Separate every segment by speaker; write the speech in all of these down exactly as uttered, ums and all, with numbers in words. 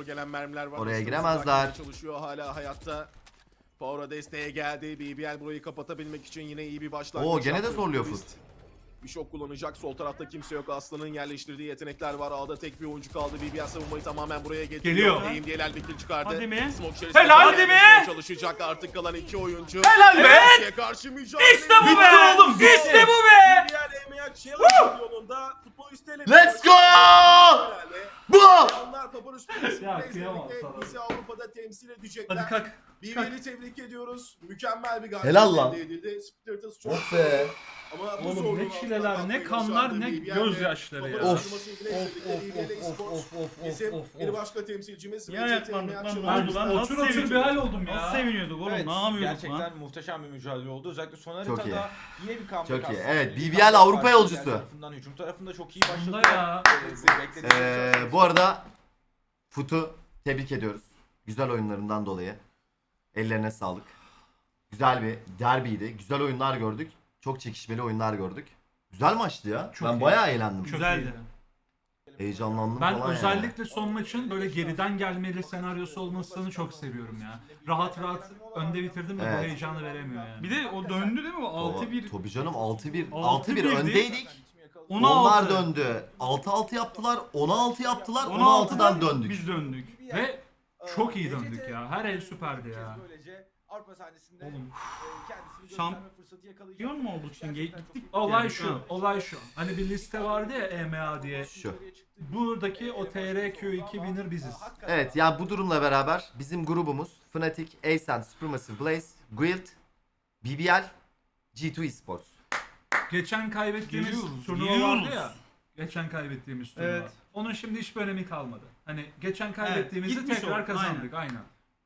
Speaker 1: gelen mermiler var.
Speaker 2: Oraya
Speaker 1: Hızlı
Speaker 2: giremezler.
Speaker 1: hızlı çalışıyor hala hayatta. Power'a desteğe geldi. B B L burayı kapatabilmek için yine iyi bir başlangıç.
Speaker 2: Oo, gene de
Speaker 1: yaptı.
Speaker 2: zorluyor
Speaker 1: Twist
Speaker 2: Foot.
Speaker 1: Bir şok kullanacak. Sol tarafta kimse yok. Aslan'ın yerleştirdiği yetenekler var. A'da tek bir oyuncu kaldı. B B L savunmayı tamamen buraya getiriyor.
Speaker 3: Geliyor.
Speaker 1: Eğim diyeler bir kill çıkardı.
Speaker 3: Hadi mi?
Speaker 1: Smoke içerisinde
Speaker 3: Helal
Speaker 1: kalmaya
Speaker 3: mi?
Speaker 1: çalışacak artık kalan iki oyuncu.
Speaker 3: Helal be!
Speaker 1: Türkiye karşı mücadele.
Speaker 3: İşte bu be!
Speaker 1: Bitti oğlum,
Speaker 3: İşte bu be!
Speaker 1: B B L M A Challenge yolunda futbol üstüne.
Speaker 2: Let's go! Bu!
Speaker 1: Onlar Papar Üstü'nü
Speaker 3: Ya, kıyamam sana.
Speaker 1: bizi Avrupa'da temsil edecekler.
Speaker 3: Hadi kalk.
Speaker 1: B B L'i tebrik ediyoruz. Mükemmel bir galibiyet
Speaker 2: Helal lan.
Speaker 1: elde edildi. Spiritus çok
Speaker 2: Of be.
Speaker 1: ama bu
Speaker 3: Oğlum
Speaker 1: zorluğun
Speaker 3: ne çileler,
Speaker 1: altından
Speaker 3: ne
Speaker 1: kalkmayı
Speaker 3: kanlar,
Speaker 1: başardı
Speaker 3: ne
Speaker 1: B B L.
Speaker 3: gözyaşları ya.
Speaker 1: Papar
Speaker 2: Of.
Speaker 1: Üstü'nü
Speaker 3: Of
Speaker 1: birleştirdi.
Speaker 3: of
Speaker 1: B B L
Speaker 3: of
Speaker 1: Esports
Speaker 3: of of of
Speaker 1: bizim
Speaker 3: of
Speaker 1: bir
Speaker 3: of.
Speaker 1: başka temsilcimiz.
Speaker 3: Ya
Speaker 1: Recep
Speaker 3: yapmadık
Speaker 1: Tayyip
Speaker 3: lan,
Speaker 1: Erdoğan.
Speaker 3: ne oldu lan? Nasıl
Speaker 4: Otur otur bir
Speaker 3: seviniyorduk?
Speaker 4: hal oldum ya.
Speaker 3: Nasıl seviniyorduk oğlum?
Speaker 5: Evet,
Speaker 3: Ne yapıyorduk
Speaker 5: gerçekten
Speaker 3: lan?
Speaker 5: muhteşem bir mücadele oldu. Özellikle son
Speaker 2: Çok
Speaker 5: haritada yine bir comeback
Speaker 2: Çok iyi.
Speaker 5: aslında.
Speaker 2: Evet,
Speaker 5: Bir
Speaker 2: B B L
Speaker 5: comeback
Speaker 2: Avrupa
Speaker 5: var.
Speaker 2: yolcusu.
Speaker 5: Diğer tarafından, hücum tarafında çok iyi
Speaker 3: Bunda
Speaker 5: başladı.
Speaker 3: ya.
Speaker 5: Ee, bu beklediğimiz
Speaker 2: Ee, bu arada Foot'u tebrik ediyoruz. Güzel oyunlarından dolayı. Ellerine sağlık. Güzel bir derbiydi. Güzel oyunlar gördük. Çok çekişmeli oyunlar gördük. Güzel maçtı ya.
Speaker 3: Çok
Speaker 2: ben
Speaker 3: iyi.
Speaker 2: bayağı eğlendim.
Speaker 3: Güzeldi.
Speaker 2: Heyecanlandım
Speaker 3: Ben
Speaker 2: falan
Speaker 3: özellikle son maçın böyle geriden gelmeli senaryosu olmasını çok seviyorum ya. Rahat rahat önde bitirdim mi
Speaker 2: Evet.
Speaker 3: bu heyecanı veremiyor yani.
Speaker 4: Bir de o döndü değil mi? O altı bir.
Speaker 2: yani. Tabii canım altı bir.
Speaker 3: altı
Speaker 2: altı bir
Speaker 3: birdi.
Speaker 2: öndeydik.
Speaker 3: ona
Speaker 2: Onlar
Speaker 3: altı.
Speaker 2: döndü. altı altı yaptılar. on altı yaptılar.
Speaker 3: ona
Speaker 2: on altıdan
Speaker 3: altıdan
Speaker 2: döndük.
Speaker 3: Biz döndük. Ve çok iyi döndük ya. Her el süperdi ya. Oğlum. Şamp- Şampiyon mu olduk şimdi? Gittik. Olay
Speaker 4: Yani,
Speaker 3: şu,
Speaker 4: ha.
Speaker 3: olay şu. Hani bir liste vardı ya E M A diye.
Speaker 2: Şu.
Speaker 3: Buradaki o T R Q iki winner biziz.
Speaker 2: Evet, yani bu durumla beraber bizim grubumuz Fnatic, Ascent, Supermassive Blaze, Guild, B B L, G iki Esports.
Speaker 3: Geçen kaybettiğimiz
Speaker 4: Geliyoruz,
Speaker 3: turnuva
Speaker 4: geliyoruz.
Speaker 3: vardı ya. Geçen kaybettiğimiz turnuva.
Speaker 4: Evet.
Speaker 3: Onun şimdi hiçbir önemi kalmadı. Hani geçen kaybettiğimizi
Speaker 4: gitmiş
Speaker 3: tekrar
Speaker 4: oldu,
Speaker 3: kazandık aynen.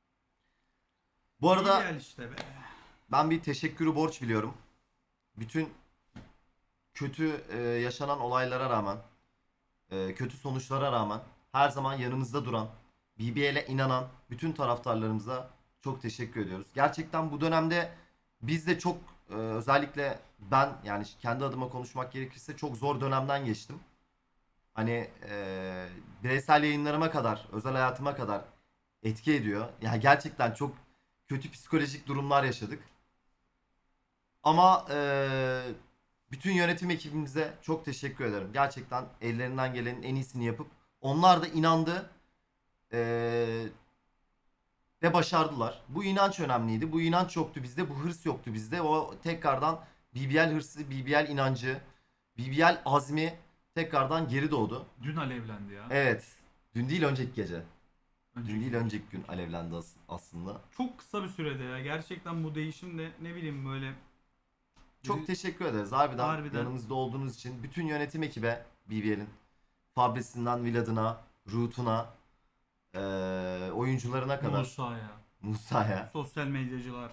Speaker 2: Bu arada
Speaker 4: Gel işte be.
Speaker 2: ben bir teşekkürü borç biliyorum. Bütün kötü e, yaşanan olaylara rağmen, e, kötü sonuçlara rağmen her zaman yanımızda duran, B B L'e inanan bütün taraftarlarımıza çok teşekkür ediyoruz. Gerçekten bu dönemde biz de çok e, özellikle ben yani kendi adıma konuşmak gerekirse çok zor dönemden geçtim. Hani e, bireysel yayınlarıma kadar, özel hayatıma kadar etki ediyor. Yani gerçekten çok kötü psikolojik durumlar yaşadık. Ama eee, bütün yönetim ekibimize çok teşekkür ederim. Gerçekten ellerinden gelenin en iyisini yapıp onlar da inandı eee, ve başardılar. Bu inanç önemliydi. Bu inanç yoktu bizde. Bu hırs yoktu bizde. O tekrardan B B L hırsı, B B L inancı, B B L azmi tekrardan geri doğdu.
Speaker 3: Dün alevlendi ya.
Speaker 2: Evet. Dün değil önceki gece.
Speaker 3: Önceki-
Speaker 2: Dün değil önceki gün alevlendi as- aslında.
Speaker 4: Çok kısa bir sürede ya. Gerçekten bu değişim de ne bileyim böyle.
Speaker 2: Çok teşekkür ederiz harbiden,
Speaker 4: Harbiden.
Speaker 2: yanımızda olduğunuz için. Bütün yönetim ekibe B B L'in Fabrisinden Vlad'ına, Root'una, eee oyuncularına kadar
Speaker 3: Musa'ya.
Speaker 2: Musa'ya.
Speaker 4: Sosyal medyacılar.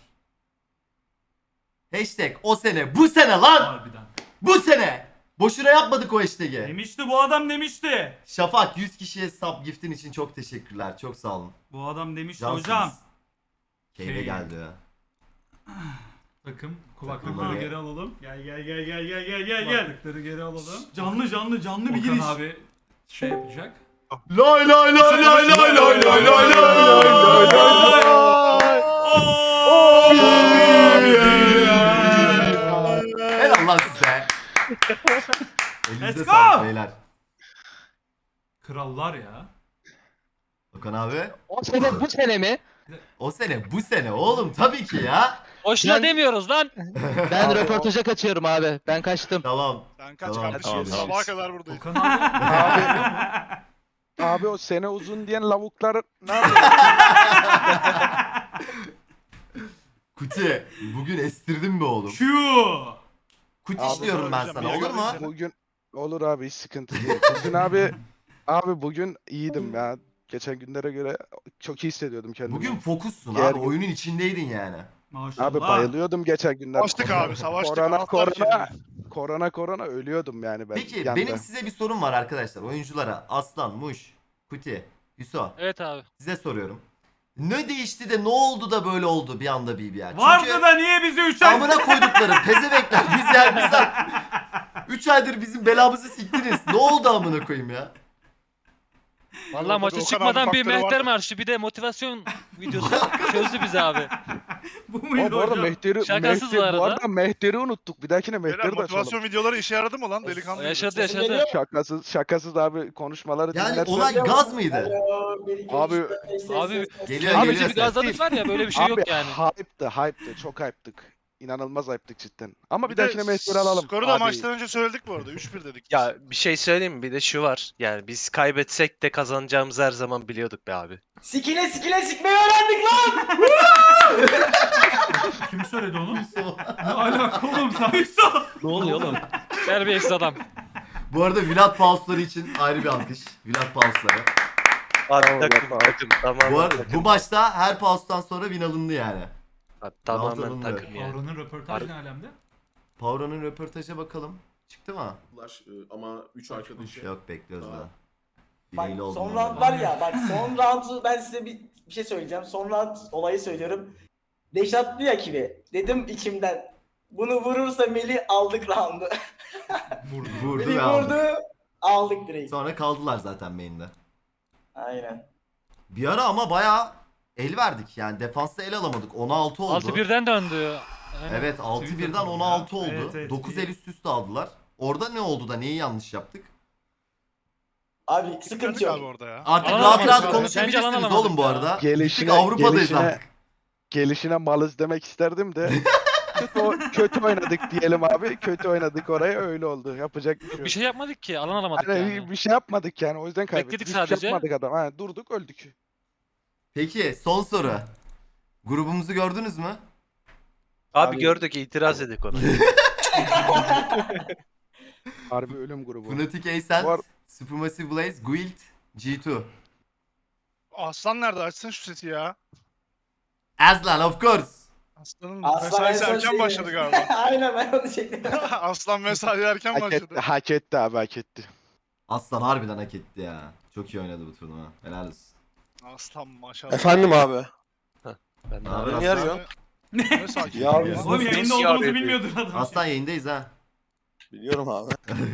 Speaker 2: Hashtag o sene bu sene lan!
Speaker 3: Harbiden.
Speaker 2: Bu sene! Boşuna yapmadık o hashtag'i.
Speaker 4: Demişti bu adam demişti.
Speaker 2: Şafak yüz kişiye sub giftin için çok teşekkürler. Çok sağ olun.
Speaker 4: Bu adam demişti
Speaker 2: Cansınız.
Speaker 4: hocam.
Speaker 2: Keyfe
Speaker 3: Keyif.
Speaker 2: geldi ya.
Speaker 3: Takım
Speaker 2: Takımları-
Speaker 3: kulaklıkları geri alalım.
Speaker 4: Gel gel gel gel gel gel gel gel.
Speaker 3: Kulaklıkları geri alalım.
Speaker 4: Canlı canlı canlı bir
Speaker 3: Okan
Speaker 4: giriş.
Speaker 3: abi şey yapacak.
Speaker 2: Lay lay lay lay lay lay lay lay lay. Helal lan size. Elinize
Speaker 4: Let's
Speaker 2: sağlık
Speaker 4: go.
Speaker 2: beyler.
Speaker 3: Krallar ya.
Speaker 2: Okan abi.
Speaker 6: O sene bu sene mi?
Speaker 2: O sene bu sene oğlum tabii ki ya.
Speaker 6: Boşuna
Speaker 7: demiyoruz lan.
Speaker 6: Ben röportaja kaçıyorum abi. Ben kaçtım.
Speaker 2: Tamam.
Speaker 8: Sen kaç
Speaker 2: Tamam,
Speaker 8: kardeşim?
Speaker 2: tamam.
Speaker 8: Sabaha kadar buradayız.
Speaker 3: Okan abi.
Speaker 9: Abi o sene uzun diyen lavuklar ne yapıyor?
Speaker 2: Kuti bugün estirdin mi oğlum?
Speaker 4: Şu.
Speaker 2: Kuti
Speaker 9: Abi,
Speaker 2: işliyorum ben
Speaker 8: hocam,
Speaker 2: sana
Speaker 8: bir
Speaker 2: olur mu?
Speaker 8: gördüm
Speaker 9: Bugün olur abi hiç sıkıntı değil. Bugün abi abi bugün iyiydim ya. Geçen günlere göre çok iyi hissediyordum kendimi.
Speaker 2: Bugün fokussun
Speaker 9: Diğer
Speaker 2: abi
Speaker 9: gün-
Speaker 2: oyunun içindeydin yani.
Speaker 4: Maşallah.
Speaker 9: abi bayılıyordum geçen günler.
Speaker 8: Savaştık abi, savaştık.
Speaker 9: Korona
Speaker 8: Anahtar
Speaker 9: korona
Speaker 8: kelime.
Speaker 9: korona korona ölüyordum yani ben.
Speaker 2: Peki
Speaker 9: yanda.
Speaker 2: benim size bir sorum var arkadaşlar oyunculara. Aslan, Muş, Kuti, Hüso
Speaker 7: Evet abi.
Speaker 2: size soruyorum. Ne değişti de ne oldu da böyle oldu bir anda B B L?
Speaker 4: Vardı da niye bizi üç ay...
Speaker 2: amına koydukları pezevekler biz yer biz üç aydır bizim belamızı siktiniz. Ne oldu amına koyayım ya?
Speaker 7: Vallahi maça
Speaker 8: Okan abi
Speaker 7: çıkmadan bir
Speaker 8: faktörü var.
Speaker 7: mehter marşı bir de motivasyon videosu çözdü bizi abi.
Speaker 4: Bu
Speaker 9: Ama
Speaker 4: muydu
Speaker 9: bu arada
Speaker 4: hocam?
Speaker 9: Mehter'i,
Speaker 7: Şakasız
Speaker 9: Mehter,
Speaker 7: bu
Speaker 9: bu
Speaker 7: arada.
Speaker 9: arada Mehter'i unuttuk. Bir dahakine
Speaker 8: Beyler
Speaker 9: Mehter'i de
Speaker 8: motivasyon
Speaker 9: açalım.
Speaker 8: videoları işe yaradı mı lan
Speaker 7: O
Speaker 8: delikanlı?
Speaker 7: yaşadı
Speaker 10: Sesim
Speaker 7: yaşadı.
Speaker 10: geliyor.
Speaker 9: Şakasız, şakasız abi konuşmaları
Speaker 2: Yani
Speaker 9: dinlersen.
Speaker 2: olay gaz mıydı?
Speaker 10: Alo, bir, iki,
Speaker 9: Abi-
Speaker 10: üç, dört, beş, ses,
Speaker 7: Abi-
Speaker 10: ses, ses.
Speaker 2: Geliyor
Speaker 7: Abi
Speaker 2: geliyor
Speaker 7: bir
Speaker 2: ses.
Speaker 7: gazladık var ya böyle bir şey
Speaker 9: abi
Speaker 7: yok yani.
Speaker 9: hype'tı, hype'tı. Çok hype'tık. İnanılmaz hype'tık cidden. Ama bir,
Speaker 8: Bir de
Speaker 9: dahakine Mehter'i alalım.
Speaker 8: skoru da
Speaker 11: Abi-
Speaker 8: maçtan önce söyledik bu arada. üç bir dedik.
Speaker 11: Ya bir şey söyleyeyim mi? Bir de şu var. Yani biz kaybetsek de kazanacağımızı her zaman biliyorduk be abi.
Speaker 10: Sikile sikile sikmeyi öğrendik lan.
Speaker 3: Kim söyledi onu? Ne alaka oğlum sen?
Speaker 7: Ne oluyor oğlum? Terbiyesiz adam.
Speaker 2: Bu arada Vlad Pausları için ayrı bir alkış. Vlad Pausları.
Speaker 11: Abi
Speaker 9: Tamam,
Speaker 11: takım
Speaker 9: tamam.
Speaker 11: takım tamamen
Speaker 2: Bu, arada,
Speaker 11: takım.
Speaker 2: bu maçta her paustan sonra win alındı yani.
Speaker 11: Abi, tamamen
Speaker 2: Alındı.
Speaker 11: takım yani.
Speaker 3: Avra'nın röportajı ne alemde?
Speaker 2: Pauro'nun röportaja bakalım. Çıktı mı?
Speaker 1: Bunlar, e, Ama üç arkadaşı.
Speaker 2: Yok bekliyoruz
Speaker 1: Tamam.
Speaker 2: daha.
Speaker 10: Bak
Speaker 2: Bileğiyle
Speaker 10: son
Speaker 2: oldum
Speaker 10: round
Speaker 2: ben.
Speaker 10: var ya, bak son roundu ben size bir, bir şey söyleyeceğim. Son round olayı söylüyorum. Deşat diyor ki, dedim içimden, bunu vurursa Melih aldık roundu.
Speaker 3: Vurdu.
Speaker 2: Vurdu
Speaker 10: Melih
Speaker 2: ve aldı.
Speaker 10: vurdu, aldık direkt.
Speaker 2: Sonra kaldılar zaten main'de.
Speaker 10: Aynen.
Speaker 2: Bir ara ama bayağı el verdik yani defansta el alamadık. on altı oldu.
Speaker 7: altı birden döndü. Aynen.
Speaker 2: Evet altı
Speaker 3: Twitter
Speaker 2: birden
Speaker 3: tabii
Speaker 2: on
Speaker 3: ya.
Speaker 2: altı oldu.
Speaker 3: Evet, evet,
Speaker 2: dokuz
Speaker 3: iyi.
Speaker 2: el üst üste aldılar. Orada ne oldu da neyi yanlış yaptık?
Speaker 10: Abi
Speaker 8: Sıkıntı
Speaker 10: sıkıntı
Speaker 8: abi
Speaker 10: yok.
Speaker 8: orada ya.
Speaker 2: Artık
Speaker 7: Alan
Speaker 2: rahat
Speaker 7: alamadık
Speaker 2: rahat
Speaker 7: abi.
Speaker 2: konuşabilirsiniz
Speaker 7: Bence alan
Speaker 2: oğlum bu
Speaker 7: alamadık
Speaker 2: arada.
Speaker 9: Gelişine,
Speaker 2: Gittik Avrupa'dayız
Speaker 9: gelişine,
Speaker 2: artık.
Speaker 9: gelişine malız demek isterdim de. kötü, o- kötü oynadık diyelim abi. Kötü oynadık oraya öyle oldu. Yapacak bir şey yok.
Speaker 7: Bir şey yapmadık ki alan alamadık
Speaker 9: Yani
Speaker 7: yani.
Speaker 9: bir şey yapmadık yani o yüzden kaybettik.
Speaker 7: Bekledik
Speaker 9: Hiçbir şey
Speaker 7: sadece.
Speaker 9: yapmadık adam. Ha, durduk öldük.
Speaker 2: Peki son soru. Grubumuzu gördünüz mü?
Speaker 11: Abi,
Speaker 10: Abi-
Speaker 11: gördük itiraz edik ona.
Speaker 9: Harbi ölüm grubu.
Speaker 2: Fnatic Ascent,
Speaker 9: Var.
Speaker 2: Supermassive Blaze, Guild, G iki.
Speaker 8: Aslan nerede? Açsın şu sesi ya.
Speaker 2: Aslan of course.
Speaker 8: Aslanın
Speaker 10: Aslan
Speaker 8: mesaisi
Speaker 10: en son
Speaker 8: erken
Speaker 10: şey-
Speaker 8: başladı galiba.
Speaker 10: Aynen ben onu çektim.
Speaker 8: Aslan mesai erken
Speaker 9: Hak
Speaker 8: başladı.
Speaker 9: etti, hak etti abi hak etti.
Speaker 2: Aslan harbiden hak etti ya. Çok iyi oynadı bu turnuva. Helal olsun.
Speaker 8: Aslan maşallah.
Speaker 12: Efendim abi.
Speaker 11: Ben de
Speaker 2: Ne haber
Speaker 11: abi.
Speaker 12: Niye
Speaker 2: Aslan?
Speaker 12: arıyorsun?
Speaker 8: Ne sakin.
Speaker 12: Ya
Speaker 8: ya.
Speaker 12: biz-
Speaker 4: Oğlum yayında
Speaker 12: Nasıl
Speaker 4: olduğumuzu
Speaker 12: yarıyor
Speaker 4: bilmiyordur adam.
Speaker 2: Aslan yayındayız ha.
Speaker 12: Biliyorum abi.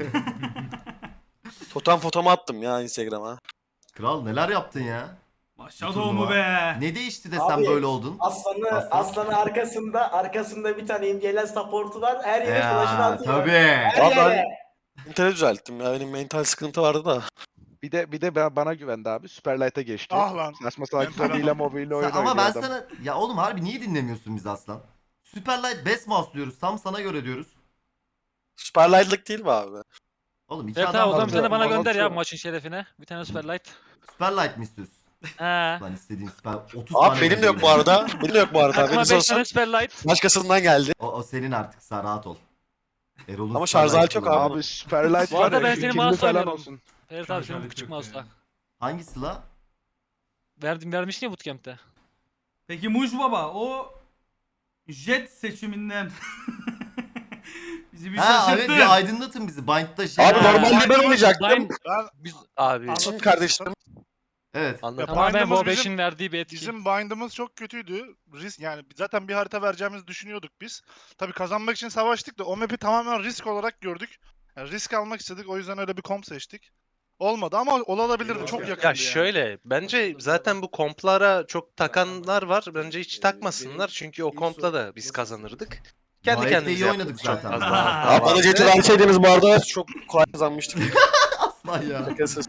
Speaker 12: Totem fotomu attım ya Instagram'a.
Speaker 2: Kral neler yaptın ya?
Speaker 4: Maşa
Speaker 2: Bu
Speaker 4: doğumu
Speaker 2: turnuva.
Speaker 4: be.
Speaker 2: Ne değişti de
Speaker 10: Abi,
Speaker 2: sen böyle oldun?
Speaker 10: Aslanı,
Speaker 2: Aslan.
Speaker 10: aslanı arkasında, arkasında bir tane imgelen supportu var. Her yere flash'ını
Speaker 2: Ya
Speaker 10: atıyor.
Speaker 2: tabii.
Speaker 10: Her
Speaker 12: Abi ben-
Speaker 10: yere.
Speaker 12: İnternet düzelttim ya benim mental sıkıntı vardı da.
Speaker 9: Bir de bir de ben- bana güvendi abi. Superlight'a geçti.
Speaker 8: Ah lan.
Speaker 9: Saçma salak
Speaker 8: Ben
Speaker 9: hile mobile oyun
Speaker 2: Sen- ama
Speaker 9: oynuyor
Speaker 2: ben
Speaker 9: adam.
Speaker 2: sana ya oğlum harbi niye dinlemiyorsun bizi Aslan? Superlight best mouse diyoruz. Tam sana göre diyoruz.
Speaker 12: Süperlight'lık değil mi abi?
Speaker 2: Oğlum iki
Speaker 7: Evet
Speaker 2: adam
Speaker 7: abi o
Speaker 2: var
Speaker 7: zaman bir tane
Speaker 2: burada.
Speaker 7: bana gönder ya
Speaker 9: Anlatıyorum.
Speaker 7: maçın şerefine. Bir tane Superlight.
Speaker 2: Superlight mi istiyorsun?
Speaker 7: He.
Speaker 2: Lan istediğin süper otuz tane
Speaker 12: Abi benim de yok bu arada. Benim de yok bu arada.
Speaker 7: Aklıma
Speaker 12: Benim
Speaker 7: beş
Speaker 12: olsun.
Speaker 7: tane Superlight.
Speaker 12: Başkasından geldi.
Speaker 2: O, o senin artık sen rahat ol. Erol'un
Speaker 12: Ama şarj
Speaker 2: Superlight
Speaker 12: aleti yok
Speaker 2: kullanıyor.
Speaker 9: Abi Superlight
Speaker 7: Bu
Speaker 9: var
Speaker 7: arada
Speaker 9: ya,
Speaker 7: ben
Speaker 9: şu
Speaker 7: senin
Speaker 9: ikili
Speaker 7: mouse
Speaker 9: falan
Speaker 7: oynuyorum.
Speaker 9: olsun.
Speaker 7: Evet
Speaker 3: Şarj
Speaker 7: abi senin bu
Speaker 3: aleti
Speaker 7: küçük
Speaker 3: yok
Speaker 7: mouse'la.
Speaker 3: yani.
Speaker 2: Hangisi la?
Speaker 7: Verdim vermiştin ya bootcamp'te.
Speaker 4: Peki Muj Baba o Jet seçiminden bizi bir
Speaker 2: Ha evet
Speaker 4: şaşırttın.
Speaker 2: bir aydınlatın bizi. Bind'da şey
Speaker 12: Abi
Speaker 2: var.
Speaker 7: Ha.
Speaker 12: normalde ben oynayacaktım.
Speaker 7: Bind-
Speaker 8: Ben
Speaker 7: Biz
Speaker 11: Abi
Speaker 8: Anladım.
Speaker 12: Şimdi kardeşlerim.
Speaker 2: Evet.
Speaker 11: anladım.
Speaker 7: tamamen
Speaker 8: Bind'ımız
Speaker 7: bu
Speaker 8: bizim-
Speaker 7: beşin verdiği bir etki.
Speaker 8: Bizim bind'ımız çok kötüydü. Risk yani zaten bir harita vereceğimizi düşünüyorduk biz. Tabii kazanmak için savaştık da o map'i tamamen risk olarak gördük. Yani risk almak istedik o yüzden öyle bir komp seçtik. Olmadı ama olabilirdi çok yakındı
Speaker 11: Ya
Speaker 8: yani.
Speaker 11: şöyle bence zaten bu komplara çok takanlar var. Bence hiç takmasınlar çünkü o kompla da biz kazanırdık. Kendi
Speaker 2: Gayet de
Speaker 11: kendimize
Speaker 2: iyi oynadık
Speaker 11: yaptık çok
Speaker 2: zaten.
Speaker 11: az daha.
Speaker 12: Abi bana Jet'i verseydiniz bu arada çok kolay kazanmıştık.
Speaker 2: Aslan ya.
Speaker 12: Şakasız.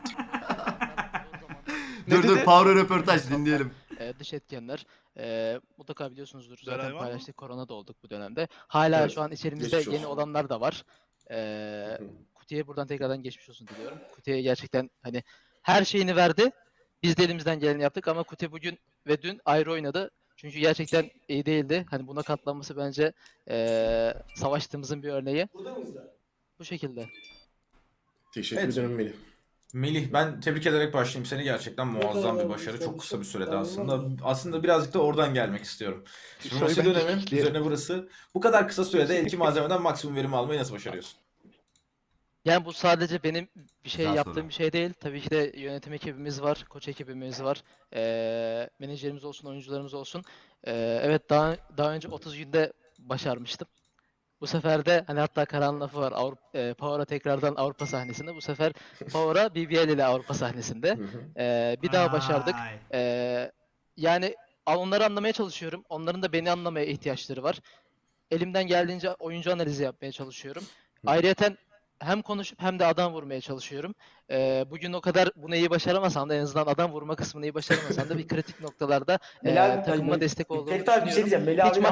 Speaker 2: dur dur
Speaker 9: dedi?
Speaker 2: Power röportaj dinleyelim.
Speaker 6: Ee, dış etkenler. Ee, mutlaka biliyorsunuzdur. Zaten
Speaker 8: Dönem var mı?
Speaker 6: paylaştık. Korona da olduk bu dönemde. Hala
Speaker 1: Evet,
Speaker 6: şu an içerimizde
Speaker 1: geçmiş
Speaker 6: yeni
Speaker 1: olsun.
Speaker 6: olanlar da var. Ee, Kuti'ye buradan tekrardan geçmiş olsun diliyorum. Kuti'ye gerçekten hani her şeyini verdi. Biz de elimizden geleni yaptık ama Kuti bugün ve dün ayrı oynadı. Çünkü gerçekten iyi değildi. Hani buna katlanması bence ee, savaştığımızın bir örneği.
Speaker 10: Burada mıyız da?
Speaker 6: Bu şekilde.
Speaker 1: Teşekkür
Speaker 5: Evet.
Speaker 1: ederim Melih.
Speaker 5: Melih ben tebrik ederek başlayayım seni gerçekten muazzam bir başarı çok kısa bir sürede aslında aslında birazcık da oradan gelmek istiyorum. Supremacy
Speaker 9: Şöyle ben
Speaker 5: dönemi
Speaker 9: ekleyelim.
Speaker 5: üzerine burası bu kadar kısa sürede eldeki malzemeden maksimum verim almayı nasıl başarıyorsun?
Speaker 6: Yani bu sadece benim bir şey
Speaker 2: Güzel
Speaker 6: yaptığım
Speaker 2: soru.
Speaker 6: bir şey değil. Tabii ki de yönetim ekibimiz var, koç ekibimiz var, eee menajerimiz olsun, oyuncularımız olsun. Eee, evet daha daha önce otuz günde başarmıştım. Bu sefer de hani hatta Karan lafı var. Avrupa, e, Power'a tekrardan Avrupa sahnesinde. Bu sefer Power'a B B L ile Avrupa sahnesinde. E, bir daha başardık.
Speaker 4: Vay.
Speaker 6: E, yani onları anlamaya çalışıyorum. Onların da beni anlamaya ihtiyaçları var. Elimden geldiğince oyuncu analizi yapmaya çalışıyorum. Ayrıyeten hem konuşup hem de adam vurmaya çalışıyorum. Ee, bugün o kadar bunu iyi başaramasam da en azından adam vurma kısmını iyi başaramasam da bir kritik noktalarda
Speaker 10: Melih
Speaker 6: e,
Speaker 10: abi-
Speaker 6: takımıma
Speaker 10: Melih-
Speaker 6: destek olduğumu
Speaker 10: Ferit abi bir şey
Speaker 6: düşünüyorum.
Speaker 10: diyeceğim. Melih
Speaker 6: Hiç
Speaker 10: abi